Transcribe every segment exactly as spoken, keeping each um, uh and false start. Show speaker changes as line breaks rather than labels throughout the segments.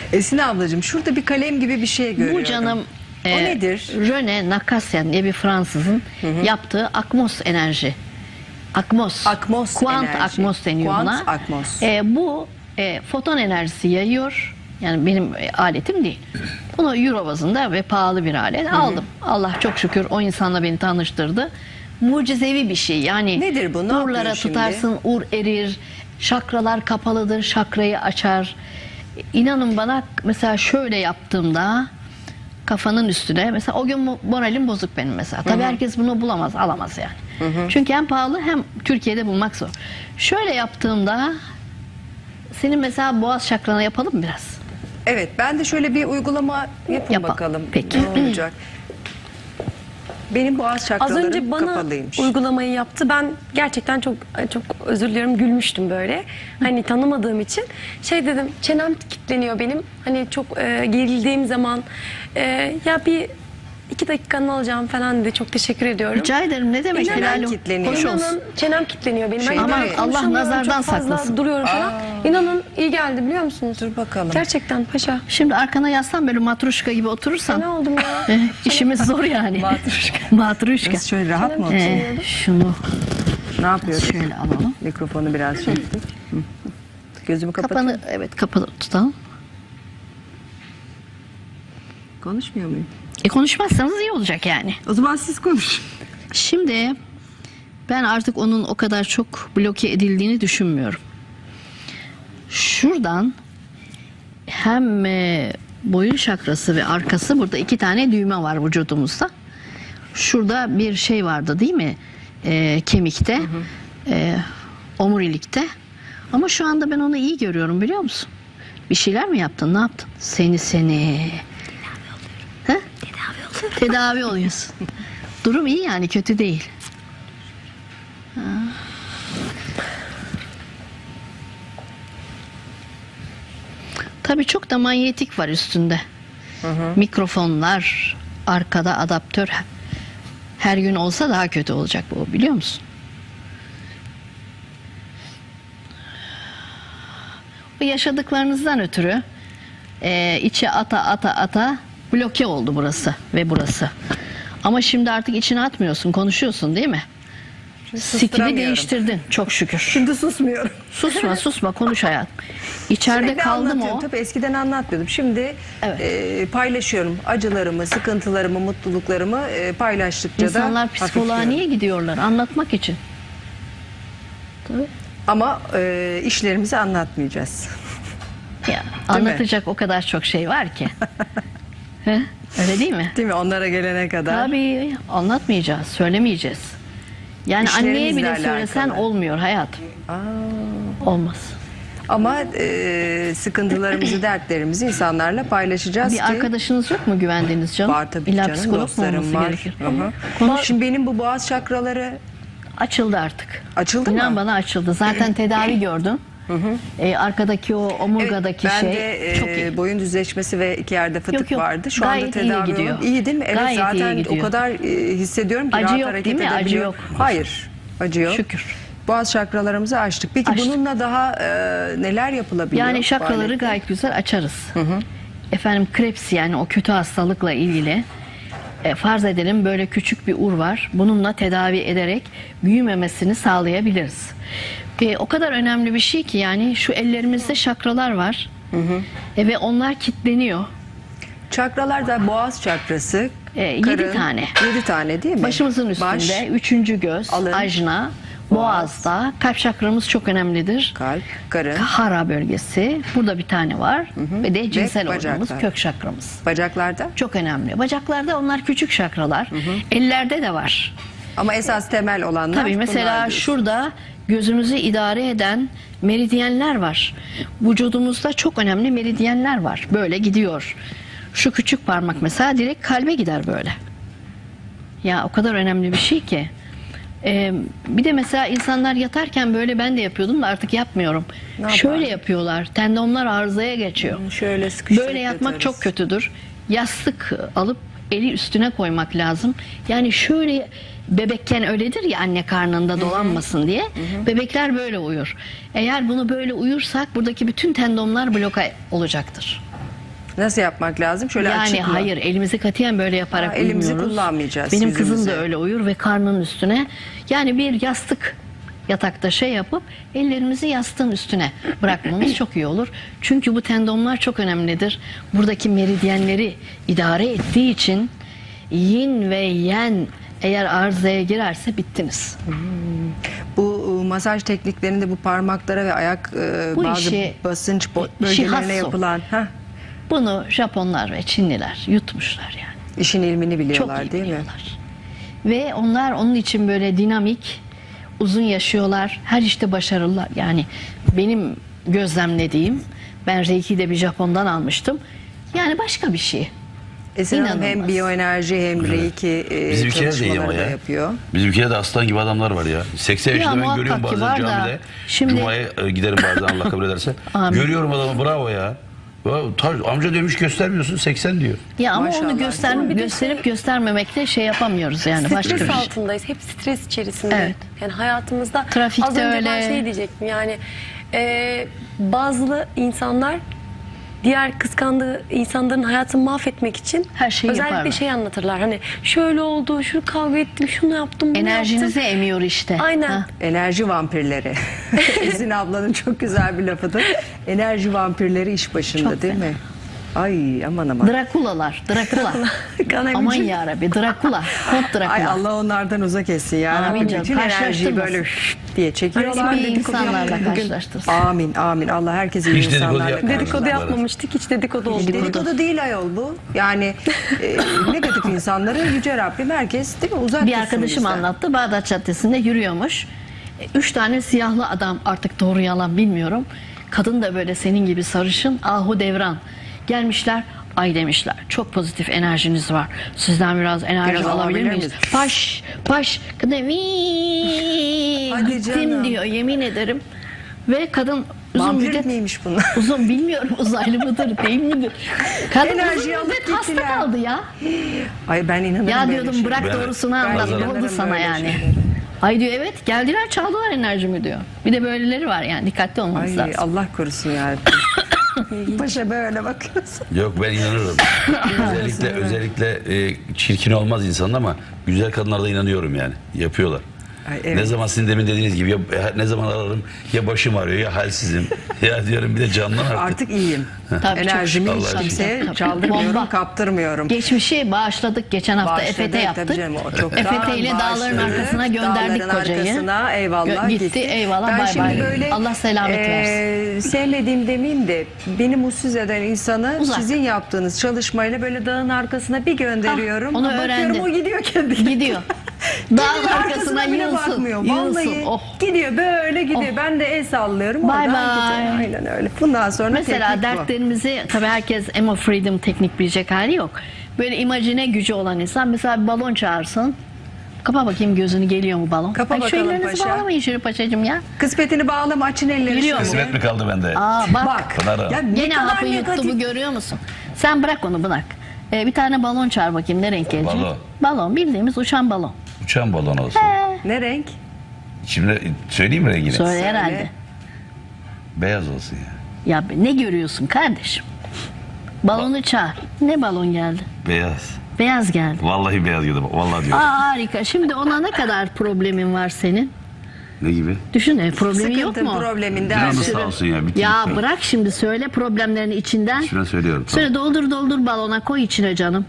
Esin ablacığım şurada bir kalem gibi bir şey görüyorum.
Bu canım
o
e,
nedir?
René Nakasyan diye bir Fransızın hı hı. yaptığı Akmos enerji. Akmos.
Akmos
Kuant
enerji.
Akmos deniyor
Kuant
buna.
Akmos.
E, bu e, foton enerjisi yayıyor. Yani benim e, aletim değil. Bunu euro bazında ve pahalı bir alet. Hı hı. Aldım. Allah çok şükür o insanla beni tanıştırdı. Mucizevi bir şey. Yani
nedir bu? Ne
urlara tutarsın, ur erir. Şakralar kapalıdır. Şakrayı açar. İnanın bana mesela şöyle yaptığımda kafanın üstüne mesela o gün moralim bozuk benim mesela. Tabii hı hı. herkes bunu bulamaz, alamaz yani. Hı hı. Çünkü hem pahalı hem Türkiye'de bulmak zor. Şöyle yaptığımda senin mesela boğaz şakrana yapalım mı biraz?
Evet, ben de şöyle bir uygulama yapın
Yapalım.
bakalım.
Peki.
Ne olacak? Benim boğaz şakralarım
Az önce bana
kapalıymış.
uygulamayı yaptı. Ben gerçekten çok çok özür diliyorum, gülmüştüm böyle. Hani tanımadığım için. Şey dedim, çenem kilitleniyor benim. Hani çok e, gerildiğim zaman e, ya bir iki dakikanı alacağım falan dedi. Çok teşekkür ediyorum.
Rica ederim. Ne demek?
İnanın
Helal
kitleniyor.
hoş olsun.
İnanın çenem kilitleniyor benim.
Şey,
Hani
aman
böyle
Allah
konuşamıyorum,
nazardan
çok fazla
saklasın.
duruyorum falan.
Aa.
İnanın iyi geldi biliyor musunuz?
Dur bakalım.
Gerçekten paşa.
Şimdi arkana yaslan böyle matruşka gibi oturursan.
Ne oldum ya?
eh, işimiz zor yani.
Matruşka.
Matruşka.
Biz şöyle rahat mı
Çenem
oturalım?
kilitleniyordu.
Eh, şunu
Ne yapıyoruz?
şöyle alalım.
Mikrofonu biraz çektik. Hı. Gözümü kapatıyorum.
Kapanı evet kapalı tutalım.
Konuşmuyor muyum?
E konuşmazsanız iyi olacak yani.
O zaman siz konuşun.
Şimdi ben artık onun o kadar çok bloke edildiğini düşünmüyorum. Şuradan hem e, boyun şakrası ve arkası, burada iki tane düğme var vücudumuzda. Şurada bir şey vardı değil mi? E, kemikte, hı hı. E, omurilikte. Ama şu anda ben onu iyi görüyorum biliyor musun? Bir şeyler mi yaptın? Ne yaptın? Seni seni. Tedavi oluyorum. Tedavi oluyorum. Tedavi oluyorsun. Durum iyi yani, kötü değil. Ha. Tabii çok da manyetik var üstünde. Hı hı. Mikrofonlar, arkada adaptör. Her gün olsa daha kötü olacak bu, biliyor musun? Bu yaşadıklarınızdan ötürü e, içe ata ata ata bloke oldu burası ve burası. Ama şimdi artık içine atmıyorsun, konuşuyorsun değil mi? Skili değiştirdin çok şükür.
Şimdi susmuyorum.
Susma susma, konuş hayat. İçeride
Sürekli
kaldım o.
Tabii eskiden anlatmıyordum. Şimdi
Evet.
e, paylaşıyorum. Acılarımı, sıkıntılarımı, mutluluklarımı e, paylaştıkça
İnsanlar
da
psikoloğa
hafifliyorum.
niye gidiyorlar? Anlatmak için. Tabii.
Ama e, işlerimizi anlatmayacağız.
Ya, anlatacak o kadar çok şey var ki. He? Öyle değil mi?
Değil mi? Onlara gelene kadar.
Tabii anlatmayacağız, söylemeyeceğiz. Yani anneye
İşlerimizle
bile
alakalı.
söylesen olmuyor hayat.
Aa.
Olmaz.
Ama e, sıkıntılarımızı, dertlerimizi insanlarla paylaşacağız
Bir
ki.
arkadaşınız yok mu güvendiğiniz canım?
Var tabii
İlla
canım,
psikolog mu
dostlarım
olması
var.
gerekir?
Hı hı.
Konuş.
Şimdi benim bu boğaz çakraları
Açıldı artık.
açıldı
İnan
mı?
bana açıldı. Zaten tedavi gördüm. Ee, arkadaki o omurgadaki
Evet,
şey
bende
çok
e,
iyi.
boyun düzleşmesi ve iki yerde fıtık
Yok, yok.
vardı. Şu
Gayet
anda
iyi
tedavi
gidiyor.
oldu. İyi değil mi? Evet,
Gayet iyi
zaten
gidiyor.
o kadar e, hissediyorum ki
Acı
rahat
yok,
hareket
değil mi? Acı
edebiliyorum.
yok.
Hayır. Acı yok.
Şükür.
Boğaz çakralarımızı açtık. Peki
Açtık.
bununla daha e, neler yapılabiliyor?
Yani şakraları
Faaliyette?
gayet güzel açarız. Hı hı. Efendim Krebs, yani o kötü hastalıkla ilgili e, farz edelim böyle küçük bir ur var. Bununla tedavi ederek büyümemesini sağlayabiliriz. E, o kadar önemli bir şey ki, yani şu ellerimizde şakralar var. Hı hı. E, ve onlar kilitleniyor.
Çakralar da boğaz çakrası.
E, yedi
karın,
tane.
Yedi tane değil mi?
Başımızın üstünde
Baş,
üçüncü göz,
alın,
ajna, boğazda, kalp çakramız çok önemlidir.
kalp, karın,
Hara bölgesi, burada bir tane var. Hı hı. Ve de cinsel
bacaklar.
organımız, kök çakramız.
bacaklarda.
Çok önemli. Bacaklarda onlar küçük şakralar. Hı hı. Ellerde de var.
Ama esas temel olanlar
Tabii mesela
bunlar diyorsun.
şurada gözümüzü idare eden meridyenler var. Vücudumuzda çok önemli meridyenler var. Böyle gidiyor. Şu küçük parmak mesela direkt kalbe gider böyle. Ya o kadar önemli bir şey ki. Ee, bir de mesela insanlar yatarken böyle, ben de yapıyordum da artık yapmıyorum.
Ne
Şöyle
yapardın?
yapıyorlar. Tendonlar arızaya geçiyor.
Şöyle sıkıştırıp
Böyle yatmak
yatarız.
çok kötüdür. Yastık alıp eli üstüne koymak lazım. Yani şöyle, bebekken öyledir ya, anne karnında dolanmasın diye. Hı hı. Bebekler böyle uyur. Eğer bunu böyle uyursak buradaki bütün tendonlar bloka olacaktır.
Nasıl yapmak lazım? Şöyle
Yani
açık mı?
hayır, elimizi katiyen böyle yaparak
Ha, elimizi
uyumuyoruz.
kullanmayacağız
Benim kızım
yüzümüze.
da öyle uyur ve karnının üstüne, yani bir yastık yatakta şey yapıp ellerimizi yastığın üstüne bırakmamız çok iyi olur. Çünkü bu tendonlar çok önemlidir. Buradaki meridyenleri idare ettiği için yin ve yen eğer arızaya girerse bittiniz.
Bu e, masaj tekniklerinde bu parmaklara ve ayak e,
Bu
bazı
işi-
basınç bo-
işi
bölgelerine
hasso.
yapılan ha,
Bunu Japonlar ve Çinliler yutmuşlar yani.
işin ilmini
Çok
biliyorlar
iyi
değil mi?
biliyorlar. Ve onlar onun için böyle dinamik, uzun yaşıyorlar. Her işte başarılılar. Yani benim gözlemlediğim, ben Reiki'yi de bir Japon'dan almıştım. Yani başka bir şey.
Esin Hanım hem
İnanılmaz.
biyoenerji hem reiki e,
Bizim ülkede de iyi
çalışmaları
ama
da
ya.
yapıyor.
Bizim ülkede de aslan gibi adamlar var ya. seksen
Ya
yaşında ben
muhakkak
görüyorum
ki
bazen
var da,
camide.
şimdi-
Cuma'ya e, giderim bazen Allah kabul ederse.
Amin.
Görüyorum adamı, bravo ya. Ya, ta- amca demiş göstermiyorsun, seksen diyor.
Ya ama
Maşallah.
onu göster
Ama bir de
gösterip göstermemekle şey yapamıyoruz yani başka bir
Stres
şey.
altındayız. Hep stres içerisinde.
Evet.
Yani hayatımızda
Trafikte
az önce ben
öyle.
şey diyecektim. Yani e, bazı insanlar diğer kıskandığı insanların hayatını mahvetmek için
Her şeyi
özellikle
yaparlar.
şey anlatırlar. Hani şöyle oldu, şunu kavga ettim, şunu yaptım, bunu
Enerjinizi
yaptım.
emiyor işte.
Aynen.
Ha.
Enerji vampirleri. Esin ablanın çok güzel bir lafıdır. Enerji vampirleri iş başında
Çok
değil
fena.
mi? Ay aman aman.
Drakulalar, Drakula.
Kan
Aman
emici.
yarabbi, Drakula. Kont Drakula.
Ay Allah onlardan uzak etsin ya.
Amin
Rabbim.
canım,
Bütün enerjiyi
karşılaştırmasın.
böyle şşt diye çekiyorlar.
Hiçbir
Dedikodu
insanlarla
yapmayın. Bugün-
karşılaştırsın.
Amin amin. Allah herkesi iyi
Hiç dedikodu
insanlarla
yapmayın.
karşılaştırsın.
Dedikodu yapmamıştık, hiç dedikodu oldu.
Dedikodu değil ayol bu. Yani e, negatif insanları Yüce Rabbim herkes değil mi uzak
Bir
tutsun
arkadaşım
bizden.
anlattı. Bağdat Caddesi'nde yürüyormuş. E, Üç tane siyahlı adam, artık doğru yalan bilmiyorum. Kadın da böyle senin gibi sarışın, Ahu Devran. Gelmişler. Ay demişler. Çok pozitif enerjiniz var. Sizden biraz enerji
Biraz
alabilir
alabilir
miyiz?
miyiz?
Paş, paş. Kadın "Vii,
Hadi
gittim"
canım.
diyor, yemin ederim. Ve kadın uzun
Vampir
müddet
miymiş bunlar?
uzun bilmiyorum, uzaylı mıdır değil midir? Kadın
Enerjiyi
uzun
alıp
müddet hasta
gittiler.
kaldı ya.
Ay ben inanırım
Ya
böyle
diyordum
şeylere.
bırak
Ben-
doğrusunu
Ben
anlat. Ne
inanırım
oldu sana
böyle
yani?
şeylere.
Ay diyor evet geldiler çaldılar enerjimi diyor. Bir de böyleleri var yani dikkatli olmamız
Ay
lazım.
Allah korusun ya. Paşa böyle bakıyorsun.
Yok ben inanırım. özellikle özellikle e, çirkin olmaz insanın ama güzel kadınlarda inanıyorum yani. Yapıyorlar.
Ay, evet.
Ne zaman sizin demin dediğiniz gibi ya, ne zaman ararım ya başım ağrıyor ya halsizim. Ya diyorum bir de canlan artık.
Artık iyiyim.
Tabii, çok
Enerjimi
şükür.
hiç
Allah'a
kimseye
şükür.
çaldırmıyorum,
Bomba.
kaptırmıyorum.
Geçmişi bağışladık. Geçen hafta
Başladı,
E F T
tabii
yaptık.
canım, o çoktan
E F T ile dağların
başladı.
arkasına gönderdik
Dağların
kocayı.
arkasına, eyvallah
Gö- gitti,
gitti.
eyvallah,
Ben
bay
şimdi
bay.
böyle,
Allah selamet
e,
versin.
Sevmediğim demeyeyim de beni mutsuz eden insanı
Uzak.
sizin yaptığınız çalışmayla böyle dağın arkasına bir gönderiyorum.
Ah, onu
Bakıyorum
öğrendim.
o gidiyor kendi kendine.
Gidiyor. Dağın
Gidiyor,
arkasına
bile
yığılsın.
bakmıyor.
Yığılsın.
Vallahi
Oh.
gidiyor böyle gidiyor. Ben de el sallıyorum.
Bye
oradan
bye.
gidiyor. Aynen öyle. Bundan sonra
Mesela
teknik bu.
dertlerimizi tabii herkes Emo Freedom teknik bilecek hali yok. Böyle imajine gücü olan insan mesela bir balon çağırsın. Kapa bakayım gözünü, geliyor mu balon?
Kapa
Ay, şu
bakalım
ellerinizi
paşa.
bağlamayın şöyle paşacığım ya.
Kısmetini bağlama, açın elleri.
Geliyor mu?
şöyle.
Kısmet mi kaldı bende?
Aa bak.
Bak.
Pınar'ım.
Ya ne
Gene
kadar
hapı yuttu
negatif.
bu, görüyor musun? Sen bırak onu, bırak. Ee, bir tane balon çağır bakayım, ne renk gelecek?
Balon.
Balon, bildiğimiz uçan balon.
Uçan balon olsun.
Ne renk?
Şimdi söyleyeyim mi rengini?
Söyle herhalde.
Beyaz olsun ya.
Ya ne görüyorsun kardeşim? Balonu çağır. Ne balon geldi?
Beyaz.
Beyaz geldi.
Vallahi beyaz geldi. Vallahi diyorum.
Aa harika. Şimdi ona ne kadar problemin var senin?
Ne gibi?
Düşün, e, problemin yok
Sıkıntın
mu?
probleminde
Canı
her şey.
sağ olsun ya. bitti,
Ya
bitti.
bırak şimdi, söyle problemlerini içinden.
Şuna söylüyorum. Tamam.
Söyle, doldur doldur balona, koy içine canım.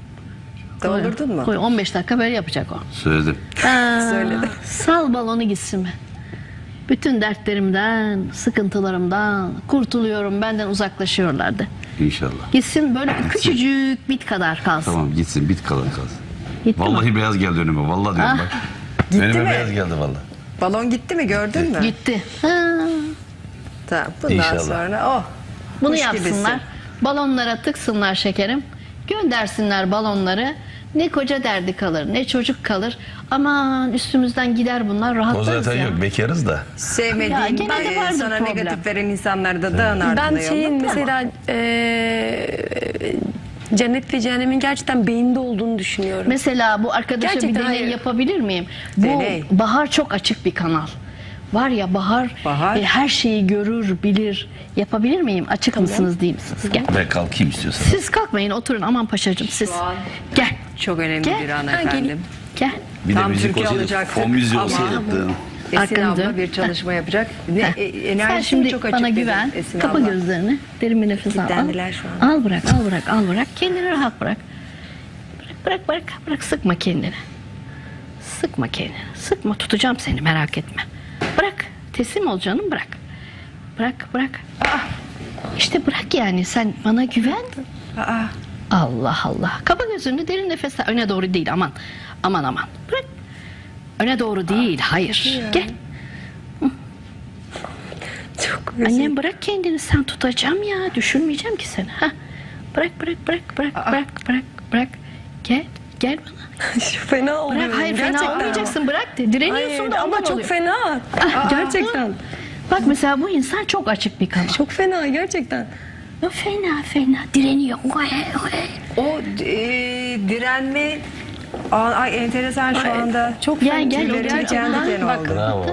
Koy.
Doldurdun mu?
Koy, on beş dakika böyle yapacak o.
Söyledim.
Aa,
Söyledim.
Sal balonu gitsin be. Bütün dertlerimden, sıkıntılarımdan kurtuluyorum, benden uzaklaşıyorlardı.
İnşallah.
Gitsin böyle küçücük bit kadar kalsın.
Tamam gitsin. Bit kalın kalsın.
Gitti mi?
Vallahi beyaz geldi önüme. Vallahi diyorum
Ah.
bak.
Gitti
Önüme
mi?
beyaz geldi vallahi.
Balon gitti mi, gördün mü?
Gitti. Ha,
Tamam. Bundan
İnşallah.
sonra oh.
bunu
kuş
yapsınlar.
gibisin.
Balonlara tıksınlar şekerim. Göndersinler balonları. Ne koca derdi kalır, ne çocuk kalır. Aman üstümüzden gider bunlar,
O
rahatlarız
zaten
ya.
yok. Bekarız da.
Ya
Sevmediğin,
gene de
e,
vardır
sana
problem.
negatif veren insanları da dağın ardına
Ben
yolla.
şeyin
Tamam.
mesela e, cennet ve cehennemin gerçekten beyinde olduğunu düşünüyorum.
Mesela bu arkadaşa bir
Gerçekten
deney
hayır.
yapabilir miyim? Bu
Deney.
Bahar çok açık bir kanal. var ya Bahar,
Bahar.
e, her şeyi görür, bilir. Yapabilir miyim? Açık mısınız, değil misiniz? Gel.
Ve kalkayım istiyorsan.
Siz kalkmayın, oturun. Aman paşacığım siz.
an
Gel.
Çok önemli
Gel.
bir an
Ha,
efendim.
gelin.
Gel.
Bir de
Tam
müzik
Türkiye
olsaydı,
alacaktık
fon müziği
ama-
olsaydı.
Esin
Arkanı
abla
dön.
bir çalışma yapacak. Ne, e,
Sen
enerjisi
şimdi
çok açık
bana
dedi
güven.
Esin
Kapa
abla.
gözlerini. Derin bir nefes al. Al.
Kilitlendiler şu an.
Al bırak, al bırak, al bırak. Kendini rahat bırak. Bırak, bırak, bırak. Bırak, sıkma kendini. Sıkma kendini. Sıkma, tutacağım seni, merak etme. Bırak. Teslim ol canım, bırak. Bırak, bırak. Ah, İşte bırak yani, sen bana güven.
Aa,
Allah Allah. Kapa gözünü, derin nefes al. Öne doğru değil, aman. Aman aman. Bırak. Öne doğru değil, hayır. Gel.
Çok özür
Annem bırak kendini, sen tutacağım ya. Düşürmeyeceğim ki seni. Ha. Bırak, bırak, bırak, bırak, bırak, bırak, bırak. Gel, gel bana.
Şu fena oluyorum.
Bırak, hayır
gerçekten.
fena olmayacaksın, bırak de. Direniyorsun
Hayır,
da
ama
ondan
çok
oluyor.
fena.
Ah,
Gerçekten.
Bak mesela bu insan çok açık bir kanal.
Çok fena gerçekten.
O fena fena direniyor. Oy, oy.
o e, direnme Aa, ay enteresan şu anda.
Çok
Gel, gel,
Tüylerim
gerçekten
diken diken
bak.
oldu.
Bravo.